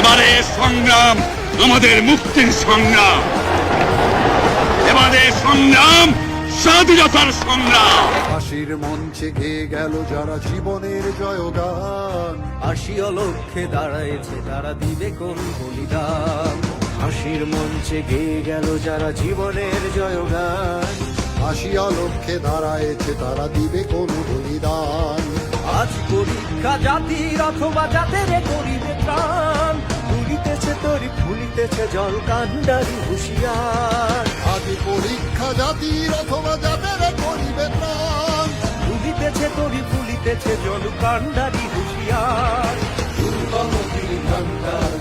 এবারে সংগ্রাম আমাদের মুক্তির সংগ্রাম, এবারে সংগ্রাম স্বাধীনতার সংগ্রাম। ফাঁসির মঞ্চে গেয়ে গেল যারা জীবনের জয়গান, আসিয়া লক্ষ্যে দাঁড়াইছে তারা দিবে কোন বলিদান। ফাঁসির মঞ্চে গেয়ে গেল যারা জীবনের জয়গান, আসিয়া লক্ষ্যে দাঁড়ায়েছে তারা দিবে কোন বলিদান। আজ পরীক্ষা জাতির অথবা জাতের করিবে প্রাণ, তুলিতেছে তরি ফুলিতেছে জল কান্ডারি হুঁশিয়ার। আজ পরীক্ষা জাতির অথবা জাতের করিবে প্রাণ, তুলিতেছে তরি ফুলিতেছে জল কান্ডারি হুঁশিয়ার। দুর্গম তীর কান্ডার